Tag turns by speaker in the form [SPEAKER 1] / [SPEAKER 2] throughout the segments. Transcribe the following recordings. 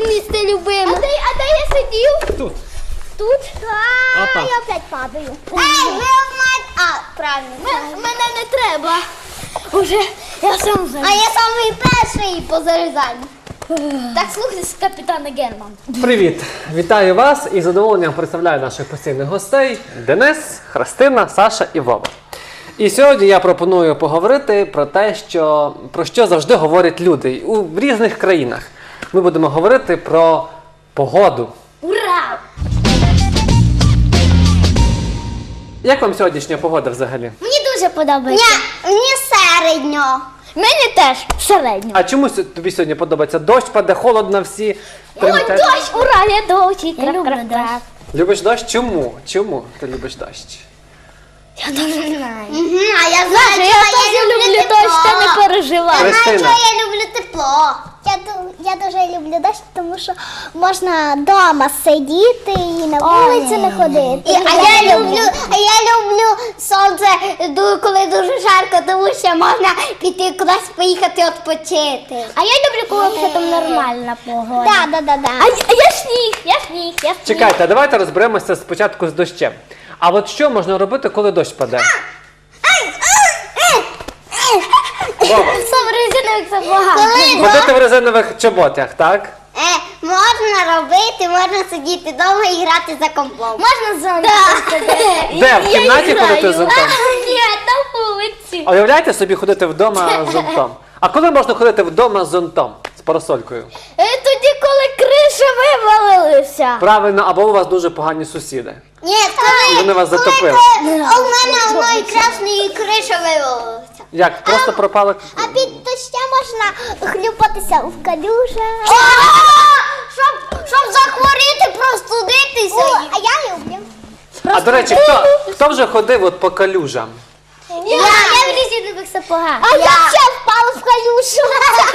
[SPEAKER 1] місце любиме. А де я сидів?
[SPEAKER 2] Тут.
[SPEAKER 1] Тут?
[SPEAKER 2] Опа.
[SPEAKER 1] Я опять падаю. Ей, ви правильно. Мене не треба. Уже я сам заліз. А я самий перший по зарізанню. Так, слухайся, капітане Герман.
[SPEAKER 2] Привіт! Вітаю вас і з задоволенням представляю наших постійних гостей Денис, Христина, Саша і Вова. І сьогодні я пропоную поговорити про те, про що завжди говорять люди в різних країнах. Ми будемо говорити про погоду.
[SPEAKER 1] Ура!
[SPEAKER 2] Як вам сьогоднішня погода взагалі?
[SPEAKER 1] Мені дуже подобається. Мені середньо. Мені теж середньо.
[SPEAKER 2] А чому тобі сьогодні подобається? Дощ паде, холодно всі.
[SPEAKER 1] Ой, дощ, ура, я дощ. Я люблю дощ.
[SPEAKER 2] Любиш дощ? Чому? Чому ти любиш дощ?
[SPEAKER 1] Я дуже знаю. А я знаю, що я теж люблю дощ, та не переживай.
[SPEAKER 2] Христина.
[SPEAKER 1] Знаю, що я люблю тепло. Я дуже люблю дощ, тому що можна вдома сидіти і на вулицю не ходити. А я люблю сонце, коли дуже жарко, тому що можна піти кудись поїхати відпочити. А я люблю, коли це там нормальна погода. Да. А я сніг.
[SPEAKER 2] Чекайте, а давайте розберемося спочатку з дощем. А от що можна робити, коли дощ паде? Вова.
[SPEAKER 1] Сам резиновик забагато.
[SPEAKER 2] Ходити в резинових чоботях, так?
[SPEAKER 1] Можна робити, можна сидіти вдома і грати за компом. Можна зонтом ходити.
[SPEAKER 2] Де? В кімнаті ходити з зонтом?
[SPEAKER 1] Ні, на вулиці.
[SPEAKER 2] Уявляєте собі ходити вдома з зонтом? А коли можна ходити вдома з зонтом? З парасолькою?
[SPEAKER 1] Тоді, коли криша вивалилася.
[SPEAKER 2] Правильно, або у вас дуже погані сусіди.
[SPEAKER 1] Ні,
[SPEAKER 2] І вони вас затопили.
[SPEAKER 1] У мене одної красної криша вивалилася.
[SPEAKER 2] Як? Просто пропали?
[SPEAKER 1] А під дощем можна хлюпатися в калюжах. Щоб захворіти, простудитися. А я люблю.
[SPEAKER 2] А до речі, хто вже ходив от по калюжам?
[SPEAKER 1] Я в резинових сапогах. А я ще впала в калюжу.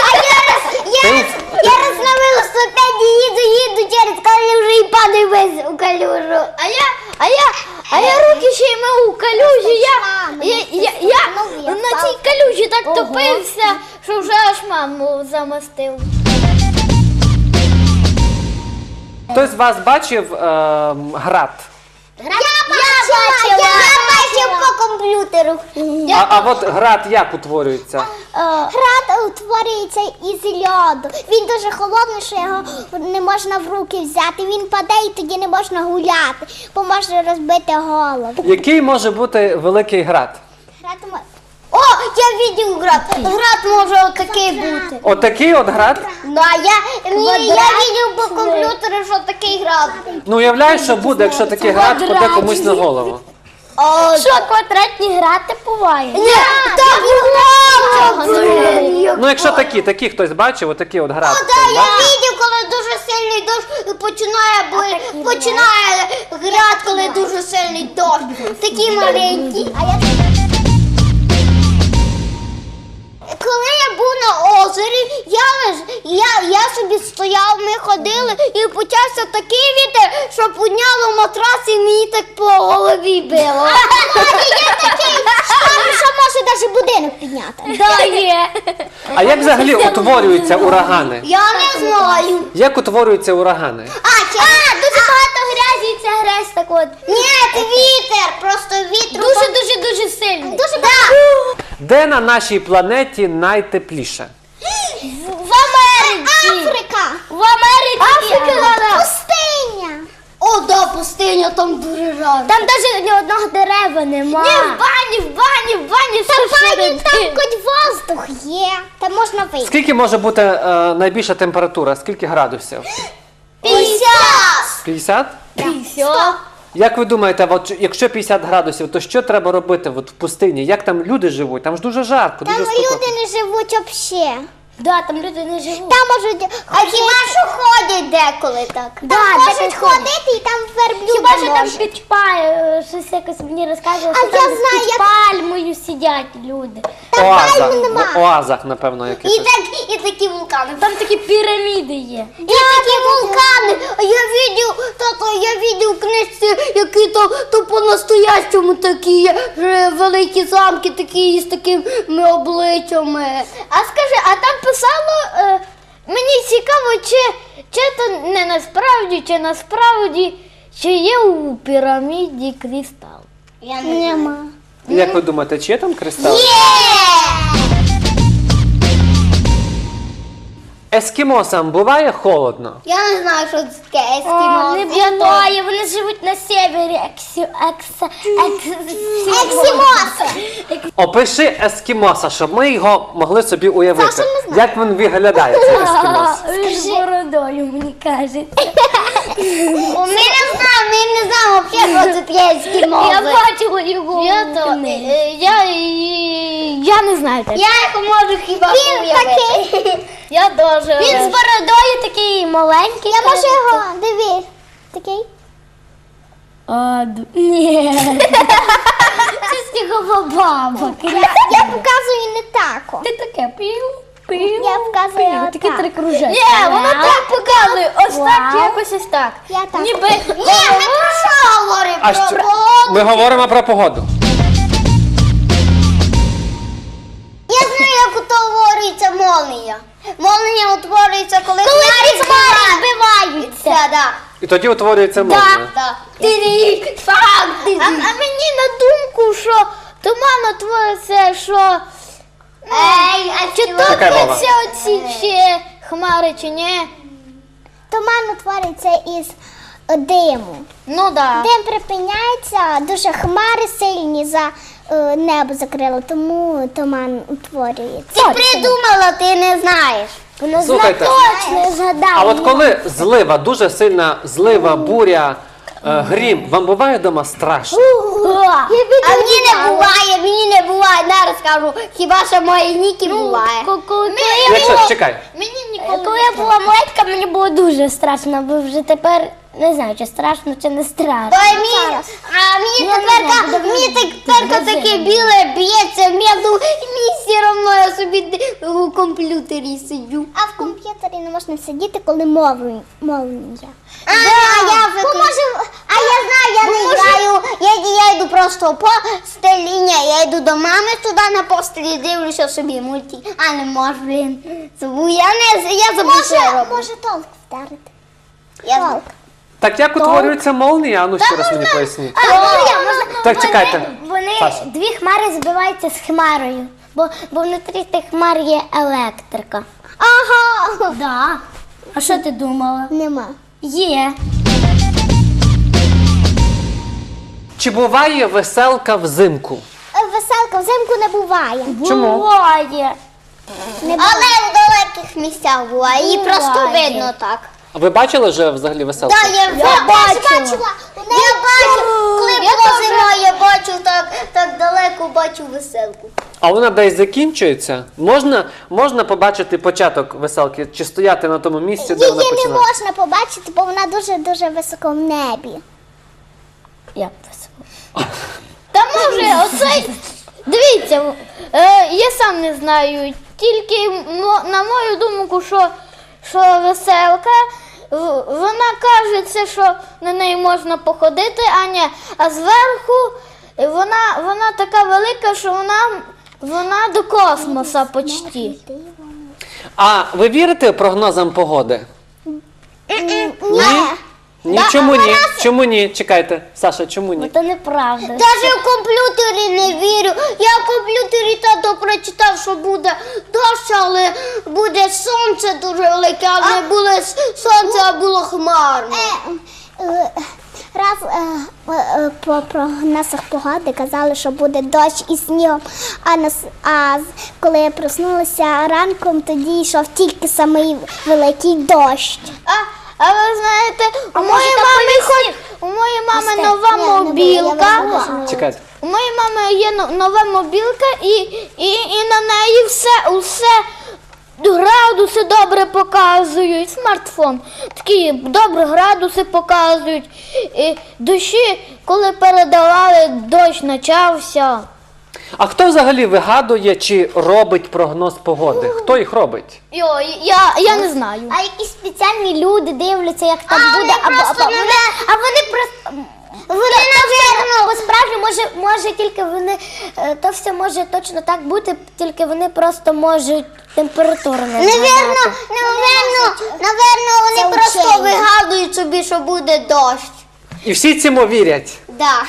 [SPEAKER 1] Я раз на велосипеді їду через калюжу і падаю весь у калюжу. А я руки ще й мив у калюжі. Я на цій калюжі так топився, що вже аж маму замостив.
[SPEAKER 2] Хтось з вас бачив град?
[SPEAKER 1] Я бачив по комп'ютеру.
[SPEAKER 2] А от град як утворюється?
[SPEAKER 1] Град утворюється із льоду. Він дуже холодний, що його не можна в руки взяти. Він паде і тоді не можна гуляти, бо може розбити голову.
[SPEAKER 2] Який може бути великий град?
[SPEAKER 1] О, я бачив град. Град може отакий бути.
[SPEAKER 2] Отакий от град?
[SPEAKER 1] Да, я бачив по комп'ютеру, що такий град.
[SPEAKER 2] Ну уявляєш, що буде, якщо такий град паде комусь на голову?
[SPEAKER 1] Що, квадратні грати бувають? Ні, так буває.
[SPEAKER 2] Ну якщо такі хтось бачив, отакий от град.
[SPEAKER 1] Я бачив, коли дуже сильний дощ починає град, коли дуже сильний дощ. Такі маленькі. Коли я був на озері, я собі стояв, ми ходили і почався такий вітер, що підняло матрас і мені так по голові било. Є такий шторм, що може навіть будинок підняти. Так, є.
[SPEAKER 2] А як взагалі утворюються урагани?
[SPEAKER 1] Я не знаю.
[SPEAKER 2] Як утворюються урагани?
[SPEAKER 1] Дуже багато грязі, і ця грязь так от. Ні, це вітер, просто вітер. Дуже сильний. Дуже багато.
[SPEAKER 2] Де на нашій планеті найтепліше?
[SPEAKER 1] В Америці. Африка. В Америці. Пустиня. О, да, пустиня, там дуже жарко. Там навіть ні одного дерева немає. Ні, в бані. Там хоч воздух є. Там можна вийти.
[SPEAKER 2] Скільки може бути найбільша температура? Скільки градусів?
[SPEAKER 1] 50.
[SPEAKER 2] 50?
[SPEAKER 1] 50.
[SPEAKER 2] Як ви думаєте, от, якщо 50 градусів, то що треба робити от, в пустині? Як там люди живуть? Там ж дуже жарко,
[SPEAKER 1] Там
[SPEAKER 2] дуже спекотно.
[SPEAKER 1] люди не живуть взагалі. Да, там люди не живуть. Там можуть хіба що ходять деколи так. Там можуть ходити і там верблюди. Хіба що там під щось якось мені розказували, що там під пальмою сидять люди.
[SPEAKER 2] В оазах, напевно, якихось.
[SPEAKER 1] І такі вулкани. Там такі піраміди є. І такі вулкани. Я бачив в книжці, які то по-настоящому такі є, великі замки такі з такими обличчями. А скажи, а там писало, мені цікаво,
[SPEAKER 3] чи то не насправді, чи насправді, чи є у піраміді кристал?
[SPEAKER 1] Нема.
[SPEAKER 2] Як ви думаєте, чи є там кристал? Ескімосам буває холодно?
[SPEAKER 1] Я не знаю, що це таке
[SPEAKER 3] Не буває, вони живуть на севері.
[SPEAKER 1] Ексімоси.
[SPEAKER 2] Опиши ескімоса, щоб ми його могли собі уявити.
[SPEAKER 1] Саша не знає.
[SPEAKER 2] Як він виглядає, цей ескімос?
[SPEAKER 3] З бородою, мені кажеться.
[SPEAKER 1] Ми не знаємо взагалі, що це таке ескімоси.
[SPEAKER 3] Я бачила його. Я не знаю.
[SPEAKER 1] Я їх можу хіба уявити.
[SPEAKER 3] Я дуже. Він з бородою такий маленький.
[SPEAKER 1] Я можу його, дивись. Такий.
[SPEAKER 3] Ні. Це снігова баба.
[SPEAKER 1] Я показую не так.
[SPEAKER 3] Ти таке пів.
[SPEAKER 1] Я показую
[SPEAKER 3] Такі
[SPEAKER 1] отак.
[SPEAKER 3] три кружечки. Ні, воно так показує. Ось так, якось ось так.
[SPEAKER 1] Я так.
[SPEAKER 3] Ніби.
[SPEAKER 1] Ні, ми про що говоримо?
[SPEAKER 2] А що? Ми говоримо про погоду.
[SPEAKER 1] Я знаю, як утворюється молнія. Молнія утворюється, коли хмари
[SPEAKER 3] збиваються.
[SPEAKER 1] Да.
[SPEAKER 2] І тоді утворюється молнія.
[SPEAKER 1] Да.
[SPEAKER 3] А мені на думку, що туман утвориться, що чи
[SPEAKER 2] Чекай, Вова.
[SPEAKER 3] топляться оці всі хмари, чи ні?
[SPEAKER 1] Туман утворюється із диму.
[SPEAKER 3] Ну да.
[SPEAKER 1] Дим припиняється, дуже хмари сильні за небо закрило, тому туман утворюється. Ти придумала, ти не знаєш.
[SPEAKER 2] Слухайте,
[SPEAKER 1] Точно згадала.
[SPEAKER 2] а от коли злива, дуже сильна злива, буря, грім, вам буває вдома страшно?
[SPEAKER 1] А мені не буває, зараз скажу, хіба що моїй Нікі буває.
[SPEAKER 2] Якщо, чекай,
[SPEAKER 3] Коли я була маленька, мені було дуже страшно, бо вже тепер не знаю, чи страшно, чи не страшно.
[SPEAKER 1] Мені тепер таке біле б'ється, мені все одно я собі у комп'ютері сиджу. А в комп'ютері не можна сидіти, коли молнія. Я знаю, я не граю, я йду просто по стелі, я йду до мами туди на постелі, дивлюся собі мультик, а не можу, блін. Я забув, що я роблю. Може толк вдарити. Толк.
[SPEAKER 2] так як утворюється молнія? А ну ще раз мені поясніть. Так, чекайте. Саша.
[SPEAKER 3] Дві хмари збиваються з хмарою, бо внутрі тих хмар є електрика.
[SPEAKER 1] Ага.
[SPEAKER 3] Да. А що ти думала?
[SPEAKER 1] Нема.
[SPEAKER 3] Є.
[SPEAKER 2] Чи буває веселка взимку?
[SPEAKER 1] Веселка взимку не буває.
[SPEAKER 2] Чому?
[SPEAKER 3] Буває.
[SPEAKER 1] Але в далеких місцях буває. Її просто видно так.
[SPEAKER 2] А ви бачили вже взагалі веселку?
[SPEAKER 1] Я бачила. Я бачу, коли було зимою, я бачу так далеко, бачу веселку.
[SPEAKER 2] А вона десь закінчується? Можна побачити початок веселки? Чи стояти на тому місці, де вона
[SPEAKER 1] Її не
[SPEAKER 2] починає?
[SPEAKER 1] можна побачити, бо вона дуже-дуже високо в небі.
[SPEAKER 3] Як весело. Та може, оцей. Дивіться, я сам не знаю. Тільки на мою думку, що веселка, вона кажеться, що на неї можна походити, а зверху вона така велика, що вона до космоса почти.
[SPEAKER 2] А ви вірите прогнозам погоди?
[SPEAKER 1] Ні.
[SPEAKER 2] Ні, чому ні? Чому ні? Чекайте, Саша, чому ні?
[SPEAKER 3] Це неправда.
[SPEAKER 1] Навіть в комп'ютері не вірю. Я в комп'ютері тато прочитав, що буде дощ, але буде сонце дуже велике, а не було сонце, а було хмарно. Раз по прогнозах погоди казали, що буде дощ і снігом, а коли я проснулася ранком, тоді йшов тільки самий великий дощ.
[SPEAKER 3] А ви знаєте, у моєї мами нова мобілка.
[SPEAKER 2] Чекайте.
[SPEAKER 3] У моєї мами є нова мобілка, і на неї усе градуси добре показують. Смартфон. Такі добре градуси показують. І дощі, коли передавали, дощ почався.
[SPEAKER 2] А хто взагалі вигадує чи робить прогноз погоди? Хто їх робить?
[SPEAKER 3] Я не знаю.
[SPEAKER 1] А якісь спеціальні люди дивляться, як там буде, а вони просто.
[SPEAKER 3] Насправді, може тільки вони, то все може точно так бути, тільки вони просто можуть температуру не
[SPEAKER 1] Невірно, Наверно, вони просто вигадують собі, що буде дощ.
[SPEAKER 2] І всі цьому вірять.
[SPEAKER 1] Да.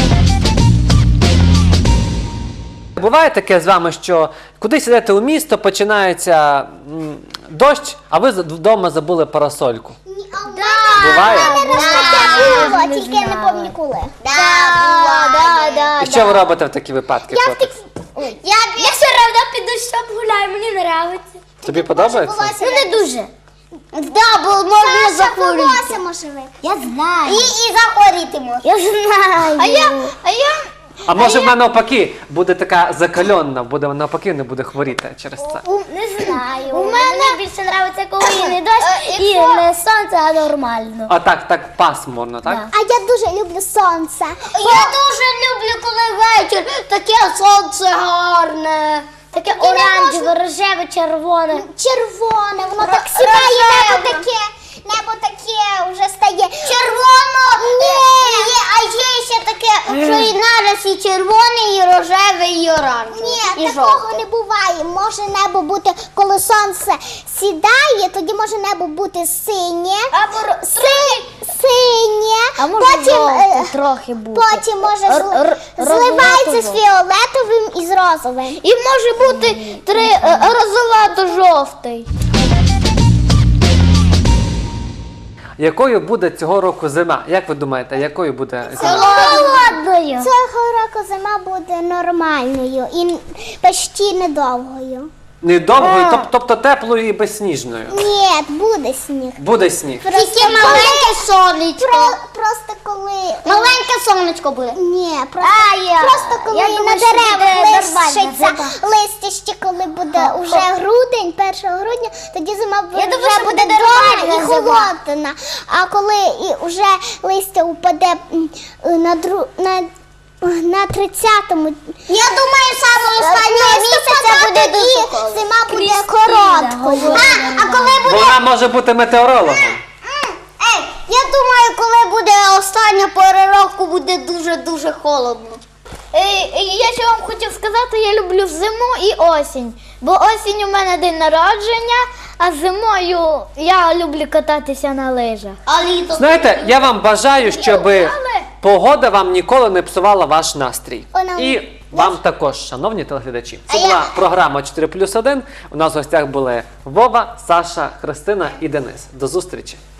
[SPEAKER 2] Буває таке з вами, що кудись йдете у місто, починається дощ, а ви вдома забули парасольку. Буває?
[SPEAKER 1] Було, тільки я не пам'ятаю коли.
[SPEAKER 2] І що ви робите в такі випадки? хлопець?
[SPEAKER 3] Я все одно під дощом гуляю, мені подобається.
[SPEAKER 2] Тобі подобається?
[SPEAKER 3] Ну не дуже.
[SPEAKER 1] Да, бо можна захворіти.
[SPEAKER 3] Я знаю.
[SPEAKER 1] І захворіти можна.
[SPEAKER 3] Я знаю. А я
[SPEAKER 2] А може вона навпаки буде така закальонна, буде навпаки не буде хворіти через це.
[SPEAKER 3] не знаю. У мене більше подобається, коли і не дощ, і не сонце, а нормально.
[SPEAKER 2] А так пасмурно, так?
[SPEAKER 1] А я дуже люблю сонце. Я дуже люблю, коли вечір, таке сонце гарне.
[SPEAKER 3] Таке оранжеве, рожеве, червоне.
[SPEAKER 1] Червоне, воно так сідає, небо таке вже стає червоно. А є ще таке, що і нараз і червоне, і рожеве, і оранжеве. Ні,
[SPEAKER 3] І
[SPEAKER 1] такого
[SPEAKER 3] жовте.
[SPEAKER 1] не буває. Може небо бути, коли сонце сідає, тоді може небо бути синє.
[SPEAKER 3] Або
[SPEAKER 1] Синє,
[SPEAKER 3] А може жовте трохи бути.
[SPEAKER 1] потім може
[SPEAKER 3] розовато-жовте.
[SPEAKER 1] зливається з фіолетовим і з розовим.
[SPEAKER 3] І може бути розовато-жовтий.
[SPEAKER 2] Якою буде цього року зима? Як ви думаєте, якою буде зима?
[SPEAKER 3] Холодною.
[SPEAKER 1] Цього року зима буде нормальною і почти недовгою.
[SPEAKER 2] Недовгою, тобто теплою і безсніжною.
[SPEAKER 1] Ні, буде сніг.
[SPEAKER 2] Буде сніг.
[SPEAKER 1] Тільки маленьке сонечко. Просто коли...
[SPEAKER 3] Маленьке сонечко буде.
[SPEAKER 1] Ні, просто коли
[SPEAKER 3] я
[SPEAKER 1] на
[SPEAKER 3] думаю, що
[SPEAKER 1] деревах
[SPEAKER 3] буде нормальна
[SPEAKER 1] лишиться
[SPEAKER 3] зима.
[SPEAKER 1] листя ще коли буде уже грудень, 1 грудня, тоді зима
[SPEAKER 3] думаю,
[SPEAKER 1] вже
[SPEAKER 3] що
[SPEAKER 1] буде
[SPEAKER 3] буде
[SPEAKER 1] добра і
[SPEAKER 3] нормальна зима.
[SPEAKER 1] холодна. А коли і вже листя упаде на 30-му. Я думаю, саме останнього місяця буде дуже зима буде короткою. А коли буде...
[SPEAKER 2] Вона може бути метеорологом.
[SPEAKER 1] Я думаю, коли буде остання пора року, буде дуже-дуже холодно.
[SPEAKER 3] Я ще вам хотів сказати, я люблю зиму і осінь. Бо осінь у мене день народження, а зимою я люблю кататися на лижах.
[SPEAKER 1] А літо?
[SPEAKER 2] Знаєте, я вам бажаю, щоб погода вам ніколи не псувала ваш настрій. І вам також, шановні телеглядачі. Це була програма 4+1. У нас в гостях були Вова, Саша, Христина і Денис. До зустрічі!